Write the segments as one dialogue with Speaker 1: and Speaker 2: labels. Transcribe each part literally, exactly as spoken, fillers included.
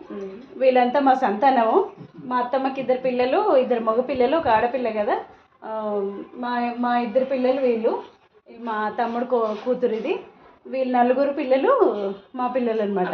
Speaker 1: వీళ్ళంతా మా సంతానము. మా అత్తమ్మకి ఇద్దరు పిల్లలు, ఇద్దరు మగ పిల్లలు, ఒక ఆడపిల్ల కదా. మా మా ఇద్దరు పిల్లలు వీళ్ళు, మా తమ్ముడు కూ కూతురు ఇది. వీళ్ళు నలుగురు పిల్లలు మా పిల్లలు అనమాట.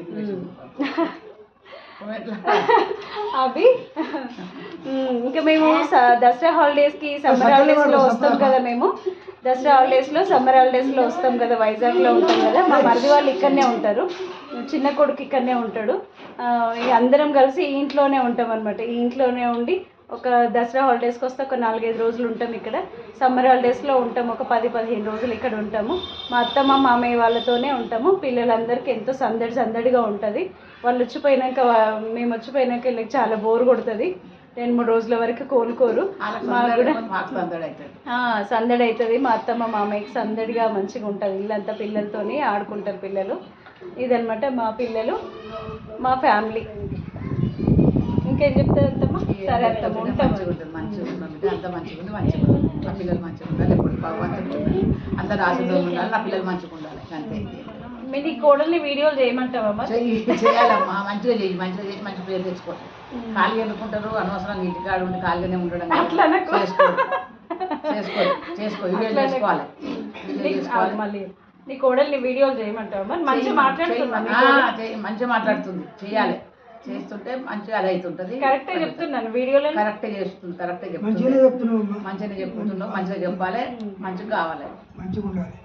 Speaker 1: అవి ఇంకా మేము దసరా హాలిడేస్కి సమ్మర్ హాలిడేస్లో వస్తాం కదా. మేము దసరా హాలిడేస్లో సమ్మర్ హాలిడేస్లో వస్తాం కదా, వైజాగ్లో ఉంటాం కదా. మా మరిది వాళ్ళు ఇక్కడనే ఉంటారు, చిన్న కొడుకు ఇక్కడనే ఉంటాడు. అందరం కలిసి ఈ ఇంట్లోనే ఉంటాం అనమాట. ఈ ఇంట్లోనే ఉండి ఒక దసరా హాలిడేస్కి వస్తే ఒక నాలుగైదు రోజులు ఉంటాం ఇక్కడ. సమ్మర్ హాలిడేస్లో ఉంటాము, ఒక పది పదిహేను రోజులు ఇక్కడ ఉంటాము. మా అత్తమ్మ మామయ్య వాళ్ళతోనే ఉంటాము. పిల్లలందరికీ ఎంతో సందడి సందడిగా ఉంటుంది. వాళ్ళు వచ్చిపోయినాక, మేము వచ్చిపోయినాక వీళ్ళకి చాలా బోర్ కొడుతుంది. రెండు మూడు రోజుల వరకు కోలుకోరు. మాకు కూడా సందడి అవుతుంది. మా అత్తమ్మ మామయ్యకి సందడిగా మంచిగా ఉంటుంది. ఇల్లంతా పిల్లలతోని ఆడుకుంటారు పిల్లలు. ఇదనమాట మా పిల్లలు, మా ఫ్యామిలీ. ఇంకేం చెప్తారు అత్తమ్మ? సరే అత్తమ్మ, ఉంటాం.
Speaker 2: మంచిగా ఉంటుంది, అంత మంచిగా ఉంది, మంచిగా ఉంటుంది. నా పిల్లలు మంచిగా ఉండాలి, ఎప్పుడు భగవంతుడు ఉండాలి, అంత రాజుతో ఉండాలి, నా పిల్లలు మంచిగా ఉండాలి, అంతే.
Speaker 1: మీరు ఈ కోడల్ని వీడియోలు చేయమంటావమ్మా?
Speaker 2: చేయాలమ్మా, మంచిగా చేయి, మంచిగా చేసి మంచి పేరు తెచ్చుకో. ఖాళీ ఎందుకుంటారు, అనవసరంగా ఇంటికాడ ఉండి ఖాళీగానే ఉండడం. చేసుకో చేసుకో చేసుకో వీడియో చేసుకోవాలి.
Speaker 1: మళ్ళీ నీ కోడల్ని వీడియోలు చేయమంటావమ్మా? మంచిగా మాట్లాడుతున్నా,
Speaker 2: మంచిగా మాట్లాడుతుంది, చేయాలి. చేస్తుంటే మంచిగా అది అవుతుంటుంది.
Speaker 1: కరెక్టే చెప్తున్నాను వీడియోలో,
Speaker 2: కరెక్టే చేస్తుంది, కరెక్టే చెప్తుంది, మంచిగా చెప్తున్నావు. మంచిగా చెప్పాలి, మంచిగా కావాలి, మంచిగా ఉండాలి.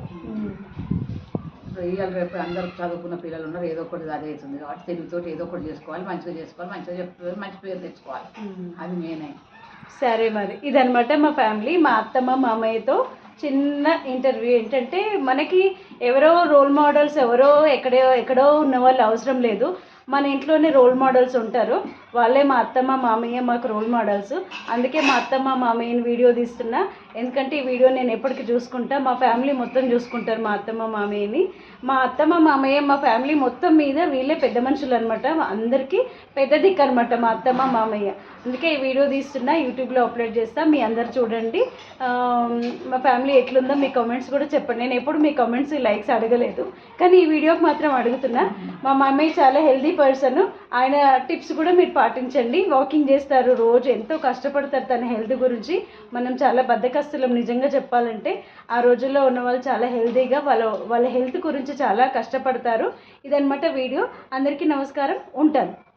Speaker 2: ఇవాళ రేపు అందరూ చదువుకున్న పిల్లలు ఉన్నారు, ఏదో ఒకటి అదే అవుతుంది కాబట్టి తెలుగుతో ఏదో ఒకటి చేసుకోవాలి, మంచిగా చేసుకోవాలి, మంచిగా చెప్తుంది, మంచి పేరు తెచ్చుకోవాలి, అది మెయిన్.
Speaker 1: సరే మరి ఇదనమాట మా ఫ్యామిలీ. మా అత్తమ్మ మామయ్యతో చిన్న ఇంటర్వ్యూ. ఏంటంటే మనకి ఎవరో రోల్ మోడల్స్, ఎవరో ఎక్కడో ఎక్కడో ఉన్న వాళ్ళు అవసరం లేదు. మన ఇంట్లోనే రోల్ మోడల్స్ ఉంటారు, వాళ్ళే మా అత్తమ్మ మామయ్య మాకు రోల్ మోడల్స్. అందుకే మా అత్తమ్మ మామయ్యని వీడియో తీస్తున్నా, ఎందుకంటే ఈ వీడియో నేను ఎప్పటికీ చూసుకుంటా. మా ఫ్యామిలీ మొత్తం చూసుకుంటారు మా అత్తమ్మ మామయ్యని. మా అత్తమ్మ మామయ్య మా ఫ్యామిలీ మొత్తం మీద వీళ్ళే పెద్ద మనుషులు అనమాట, అందరికీ పెద్ద దిక్కు అనమాట మా అత్తమ్మ మామయ్య. అందుకే ఈ వీడియో తీస్తున్నా, యూట్యూబ్లో అప్లోడ్ చేస్తా, మీ అందరు చూడండి. మా ఫ్యామిలీ ఎట్లుందో మీ కామెంట్స్ కూడా చెప్పండి. నేను ఎప్పుడు మీ కామెంట్స్ లైక్స్ అడగలేదు, కానీ ఈ వీడియోకి మాత్రం అడుగుతున్నా. మా మమ్మీ చాలా హెల్దీ పర్సన్, ఆయన టిప్స్ కూడా మీరు పాటించండి. వాకింగ్ చేస్తారు, రోజు ఎంతో కష్టపడతారు తన హెల్త్ గురించి. మనం చాలా బద్ధకస్తులం నిజంగా చెప్పాలంటే. ఆ రోజుల్లో ఉన్న వాళ్ళు చాలా హెల్తీగా వాళ్ళ వాళ్ళ హెల్త్ గురించి చాలా కష్టపడతారు. ఇదనమాట వీడియో. అందరికీ నమస్కారం, ఉంటాను.